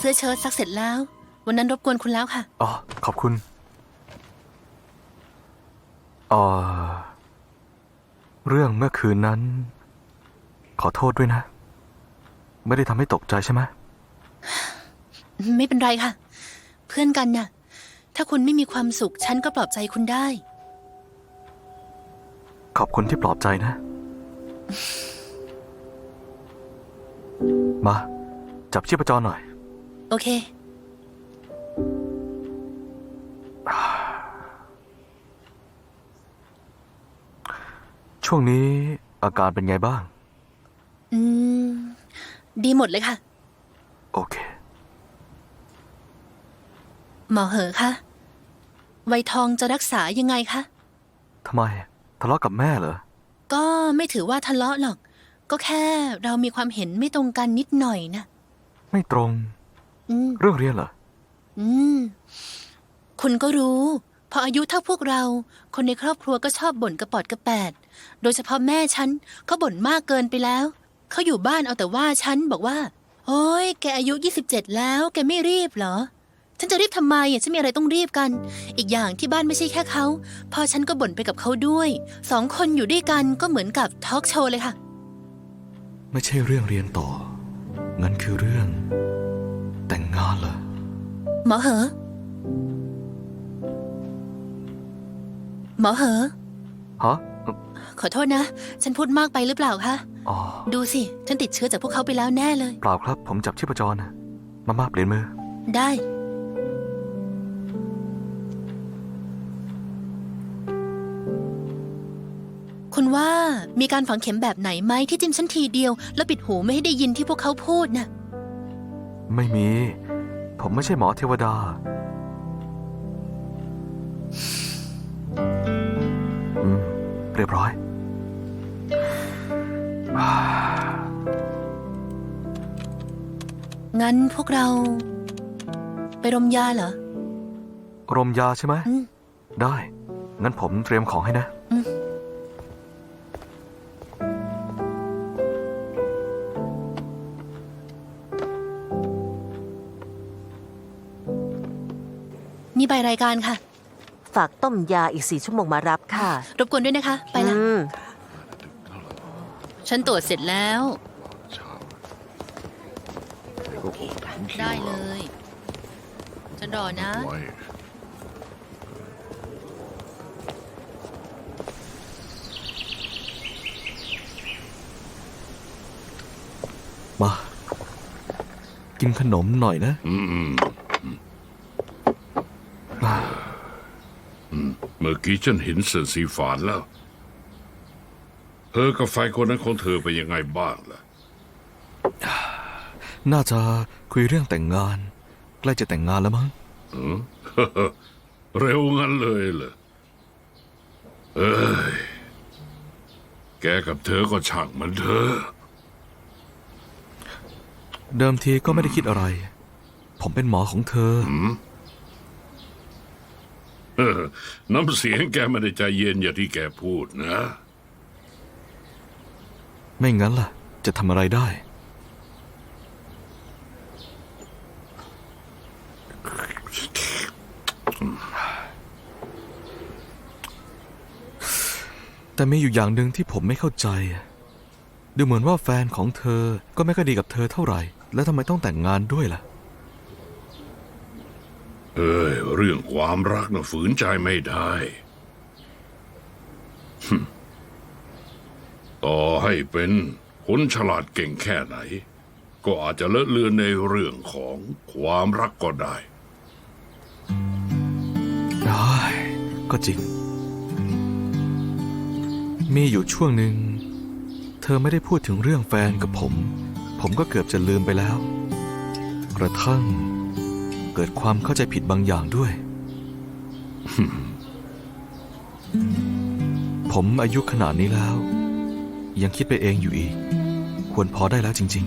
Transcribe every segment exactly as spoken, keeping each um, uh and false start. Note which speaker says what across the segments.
Speaker 1: สื้อเชิ้ตซักเสร็จแล้ววันนั้นรบกวนคุณแล้วค่ะ
Speaker 2: อ๋อขอบคุณอ๋อเรื่องเมื่อคืนนั้นขอโทษด้วยนะไม่ได้ทำให้ตกใจใช่ไหม
Speaker 1: ไม่เป็นไรค่ะเพื่อนกันน่ะถ้าคุณไม่มีความสุขฉันก็ปลอบใจคุณได้
Speaker 2: ขอบคุณที่ปลอบใจนะมาจับชีพจรหน่อย
Speaker 1: โอเค
Speaker 2: ช่วงนี้อาการเป็นไงบ้าง
Speaker 1: อืมดีหมดเลยค่ะ
Speaker 2: โอเค
Speaker 1: หมอเหอคะไวทองจะรักษายังไงคะ
Speaker 2: ทำไมทะเลาะกับแม่เหรอ
Speaker 1: ก็ไม่ถือว่าทะเลาะหรอกก็แค่เรามีความเห็นไม่ตรงกันนิดหน่อยนะ
Speaker 2: ไม่ตรง
Speaker 1: อืม
Speaker 2: เรื่องเรียนเหรอ
Speaker 1: อืมคุณก็รู้พออายุเท่าพวกเราคนในครอบครัวก็ชอบบ่นกระปอดกระแปดโดยเฉพาะแม่ฉันเขาบ่นมากเกินไปแล้วเขาอยู่บ้านเอาแต่ว่าฉันบอกว่าโอ้ยแกอายุยี่สิบเจ็ดแล้วแกไม่รีบเหรอฉันจะรีบทำไมอ่ะฉันมีอะไรต้องรีบกันอีกอย่างที่บ้านไม่ใช่แค่เขาพอฉันก็บ่นไปกับเขาด้วยสองคนอยู่ด้วยกันก็เหมือนกับทอล์กโชว์เลยค่ะ
Speaker 2: ไม่ใช่เรื่องเรียนต่องั้นคือเรื่องแต่งงานเหรอ
Speaker 1: หมอเหอหมอเหอ
Speaker 2: ฮะ
Speaker 1: ขอโทษนะฉันพูดมากไปหรือเปล่าคะ
Speaker 2: อ๋อ
Speaker 1: ดูสิฉันติดเชื้อจากพวกเขาไปแล้วแน่เลย
Speaker 2: เปล่าครับผมจับชีพจรนะมาม่าเปลี่ยนมือ
Speaker 1: ได้คุณว่ามีการฝังเข็มแบบไหนไหมที่จิ้มฉันทีเดียวแล้วปิดหูไม่ให้ได้ยินที่พวกเขาพูดน่ะ
Speaker 2: ไม่มีผมไม่ใช่หมอเทวดาอืมเรียบร้อย
Speaker 1: งั้นพวกเราไปรมยาเหรอ
Speaker 2: รมยาใช่ไหมได้งั้นผมเตรียมของให้นะ
Speaker 1: นี่ใบรายการค่ะ
Speaker 3: ฝากต้มยาอีกสี่ชั่วโมงมารับค่ะ
Speaker 1: รบกวนด้วยนะคะไปละฉันตรวจเสร็จแล้วได้เลยฉันรอนะ
Speaker 2: มากินขนมหน่อยนะ
Speaker 4: อืมเมื่อกี้ฉันเห็นเสื้อสีฝานแล้วเธอกับแฟนคนนั้นของเธอเป็นยังไงบ้างล่ะ
Speaker 2: น่าจะคุยเรื่องแต่งงานใกล้จะแต่งงานแล้วมั้ง
Speaker 4: เร็วงั้นเลยเหรอเอ้ยแกกับเธอก็ช่างมันเถอะ
Speaker 2: เดิมทีก็ไม่ได้คิดอะไรผมเป็นหมอของเธอ
Speaker 4: น้ำเสียงแกไม่ได้ใจเย็นอย่างที่แกพูดนะ
Speaker 2: ไม่งั้นล่ะจะทำอะไรได้แต่มีอยู่อย่างหนึ่งที่ผมไม่เข้าใจดูเหมือนว่าแฟนของเธอก็ไม่ค่อยดีกับเธอเท่าไหร่แล้วทำไมต้องแต่งงานด้วยล่ะ
Speaker 4: เอ้ยเรื่องความรักน่ะฝืนใจไม่ได้ต่อให้เป็นคนฉลาดเก่งแค่ไหนก็อาจจะเลอะเลือนในเรื่องของความรักก็ได้
Speaker 2: ได้ก็จริงมีอยู่ช่วงหนึ่งเธอไม่ได้พูดถึงเรื่องแฟนกับผมผมก็เกือบจะลืมไปแล้วกระทั่งเกิดความเข้าใจผิดบางอย่างด้วย ผมอายุขนาดนี้แล้วยังคิดไปเองอยู่อีกควรพอได้แล้วจริง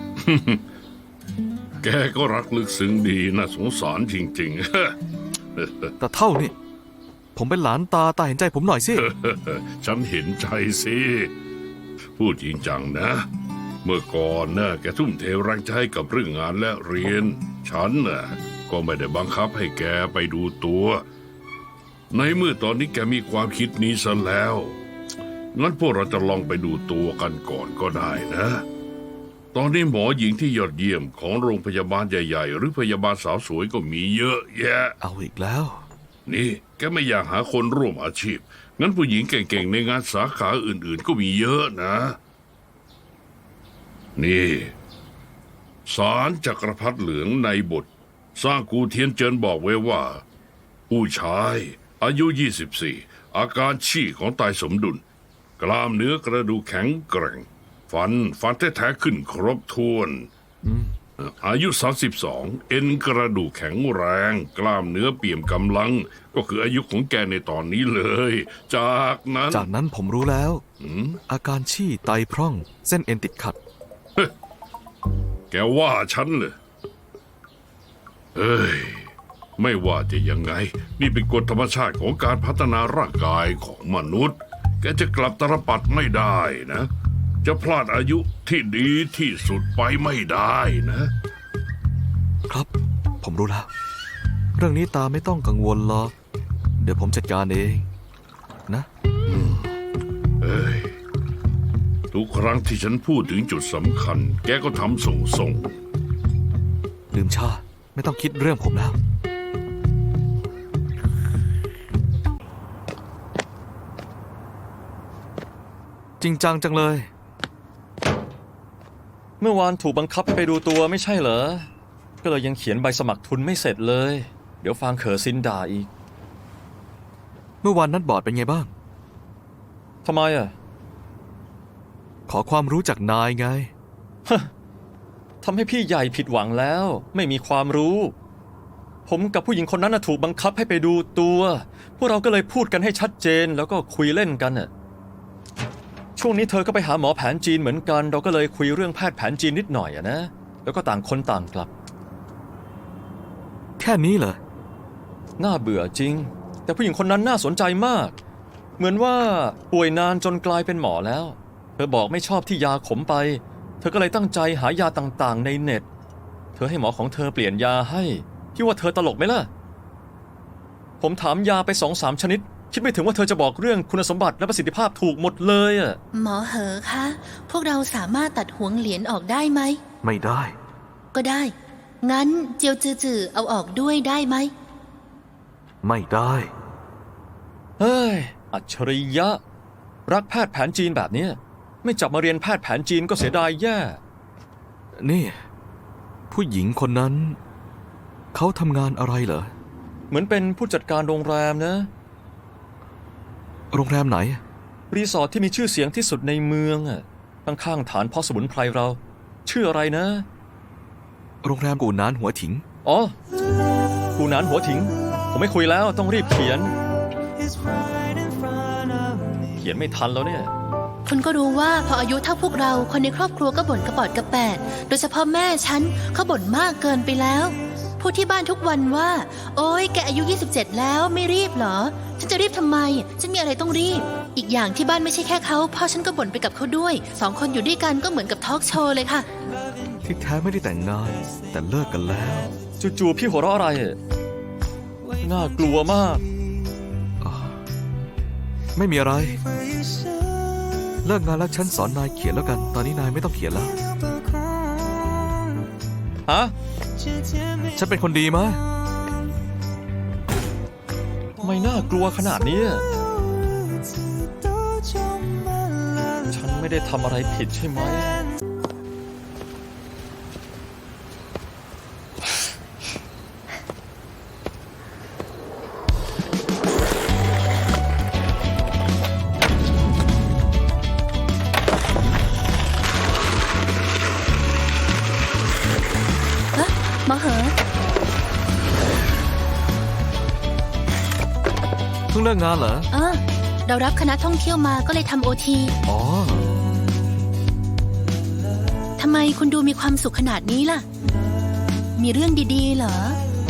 Speaker 4: ๆ แกก็รักลึกซึ้งดีน่าสงสารจริงๆ
Speaker 2: แต่เท่านี่ผมเป็นหลานตาตาเห็นใจผมหน่อยสิ
Speaker 4: ฉันเห็นใจสิพูดจริงจังนะเมื่อก่อนนะแกทุ่มเทแรงใจกับเรื่องงานและเรียนฉันน่ะก็ไม่ได้บังคับให้แกไปดูตัว ในเมื่อตอนนี้แกมีความคิดนี้ซะแล้วงั้นพวกเราจะลองไปดูตัวกันก่อนก็ได้นะ ตอนนี้หมอหญิงที่ยอดเยี่ยมของโรงพยาบาลใหญ่ๆหรือพยาบาลสาวสวยก็มีเยอะแยะ
Speaker 2: เอาอีกแล้ว
Speaker 4: นี่แกไม่อยากหาคนร่วมอาชีพ งั้นผู้หญิงเก่งๆในงานสาขาอื่นๆก็มีเยอะนะ นี่ศาลจักรพรรดิเหลืองในบท สร้างกูเทียนเจินบอกไว้ว่า ผู้ชายอายุ ยี่สิบสี่ อาการชี้ของตายสมดุล กล้ามเนื้อกระดูกแข็งแกร่ง ฟันฟันแท้ๆขึ้นครบถ้วน อายุ สามสิบสอง เอ็นกระดูกแข็งแรง กล้ามเนื้อเปี่ยมกำลัง ก็คืออายุของแกในตอนนี้เลย จากนั้น
Speaker 2: จากนั้นผมรู้แล้ว อาการชี่ไตพร่อง เส้นเอ็นติดขัด
Speaker 4: แกว่าฉันเลยเอ้ย ไม่ว่าจะยังไง นี่เป็นกฎธรรมชาติของการพัฒนาร่างกายของมนุษย์ แกจะกลับตรปัดไม่ได้นะ จะพลาดอายุที่ดีที่สุดไปไม่ได้นะ
Speaker 2: ครับ ผมรู้แล้ว เรื่องนี้ตาไม่ต้องกังวลหรอกเดี๋ยวผมจัดการเอง นะ
Speaker 4: เอ้ย ทุกครั้งที่ฉันพูดถึงจุดสำคัญ แกก็ทำส่งส่ง
Speaker 2: ลืมชา ไม่ต้องคิดเรื่องผมแล้ว จริงจังจังเลย
Speaker 5: เมื่อวานถูกบังคับให้ไปดูตัวไม่ใช่เหรอ ก็เลยยังเขียนใบสมัครทุนไม่เสร็จเลย เดี๋ยวฟางเขอซินด่าอีก
Speaker 2: เมื่อวานนัดบอร์ดเป็นไงบ้าง
Speaker 5: ทำไมอ่ะ
Speaker 2: ขอความรู้จากนายไง
Speaker 5: ทำให้พี่ใหญ่ผิดหวังแล้ว ไม่มีความรู้ ผมกับผู้หญิงคนนั้นน่ะถูกบังคับให้ไปดูตัว พวกเราก็เลยพูดกันให้ชัดเจนแล้วก็คุยเล่นกันน่ะ ช่วงนี้เธอก็ไปหาหมอแผนจีนเหมือนกัน เราก็เลยคุยเรื่องแพทย์แผนจีนนิดหน่อยอะนะ แล้วก็ต่างคนต่างกลับ
Speaker 2: แค่นี้เหรอ
Speaker 5: น่าเบื่อจริง แต่ผู้หญิงคนนั้นน่าสนใจมาก เหมือนว่าป่วยนานจนกลายเป็นหมอแล้ว เธอบอกไม่ชอบที่ยาขมไป เธอก็เลยตั้งใจหายาต่างๆในเน็ต เธอให้หมอของเธอเปลี่ยนยาให้พี่ว่าเธอตลกไหมล่ะ ผมถามยาไปสองสามชนิด คิดไม่ถึงว่าเธอจะบอกเรื่องคุณสมบัติและประสิทธิภาพถูกหมดเลยอะ
Speaker 1: หมอเหอคะ พวกเราสามารถตัดหวงเหรียญออกได้ไหม
Speaker 2: ไม่ได้
Speaker 1: ก็ได้ งั้นเจียวจือจือเอาออกด้วยได้ไหม
Speaker 2: ไม่ได้
Speaker 5: เฮ้ย อัจฉริยะ รักแพทย์แผนจีนแบบเนี้ยไม่จับมาเรียนแพทย์แผนจีนก็เสียดายแย่
Speaker 2: นี่ ผู้หญิงคนนั้น เขาทำงานอะไรเหรอ
Speaker 5: เหมือนเป็นผู้จัดการโรงแรมนะ
Speaker 2: โรงแรมไหน
Speaker 5: รีสอร์ทที่มีชื่อเสียงที่สุดในเมืองอ่ะข้างๆฐานพ่อสมุนไพรเรา ชื่ออะไรนะ
Speaker 2: โรงแรมกูนานหัวถิง
Speaker 5: อ๋อกูหนานหัวถิง ผมไม่คุยแล้วต้องรีบเขียน เขียนไม่ทันแล้วเนี่ย
Speaker 1: คุณก็รู้ว่าพออายุเท่าพวกเราคนในครอบครัวก็บ่นกระปอดกระแปด โดยเฉพาะแม่ฉันเขาบ่นมากเกินไปแล้ว พูดที่บ้านทุกวันว่า โอ๊ยแกอายุ ยี่สิบเจ็ด แล้วไม่รีบเหรอ ฉันจะรีบทำไม ฉันมีอะไรต้องรีบ อีกอย่างที่บ้านไม่ใช่แค่เขาพ่อฉันก็บ่นไปกับเขาด้วย สองคนอยู่ด้วยกันก็เหมือนกับทอล์กโชว์เลยค่ะ
Speaker 2: ที่แท้ไม่ได้แต่งงาน แต่เลิกกันแล้ว
Speaker 5: จู่ๆพี่หัวเราะอะไรอะน่ากลัวมาก
Speaker 2: ไม่มีอะไร เลิกงานแล้วฉันสอนนายเขียนแล้วกัน ตอนนี้นายไม่ต้องเขียนแล้ว
Speaker 5: ฮะ
Speaker 2: ฉันเป็นคนดีไหม
Speaker 5: ไม่น่ากลัวขนาดนี้ ฉันไม่ได้ทำอะไรผิดใช่ไหม
Speaker 1: ฮะหมอเหอ
Speaker 2: เพิ่งเลิกงานเหรอ
Speaker 1: เออ เรารับคณะท่องเที่ยวมาก็เลยทำโอที
Speaker 2: อ๋อ
Speaker 1: ทำไมคุณดูมีความสุขขนาดนี้ล่ะ มีเรื่องดีๆเหรอ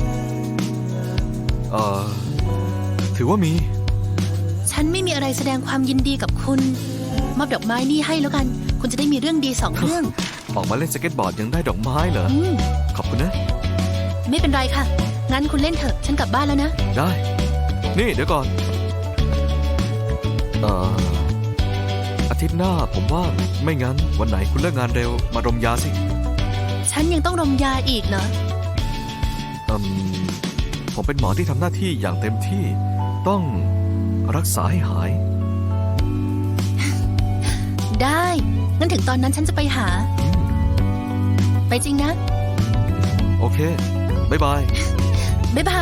Speaker 2: เอ่อ ถือว่ามี
Speaker 1: ฉันไม่มีอะไรแสดงความยินดีกับคุณ มอบดอกไม้นี่ให้แล้วกัน คุณจะได้มีเรื่องดีสองเรื่อง
Speaker 2: ออกมาเล่นสเก็ตบอร์ดยังได้ดอกไม้เหรอ
Speaker 1: อืม
Speaker 2: ขอบคุณนะ
Speaker 1: ไม่เป็นไรค่ะ งั้นคุณเล่นเถอะ ฉันกลับบ้านแล้วนะ
Speaker 2: ได้ นี่เดี๋ยวก่อน เอ่อ อาทิตย์หน้าผมว่างไม่งั้นวันไหนคุณเลิกงานเร็วมารมยาสิ
Speaker 1: ฉันยังต้องรมยาอีกเหรอ
Speaker 2: อืม ผมเป็นหมอที่ทำหน้าที่อย่างเต็มที่ ต้องรักษาให้หาย
Speaker 1: ได้ งั้นถึงตอนนั้นฉันจะไปหา ไปจริงนะ
Speaker 2: โอเค บ๊ายบาย
Speaker 1: บ๊ายบาย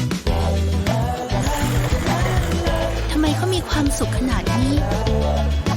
Speaker 1: ทำไมเขามีความสุขขนาดนี้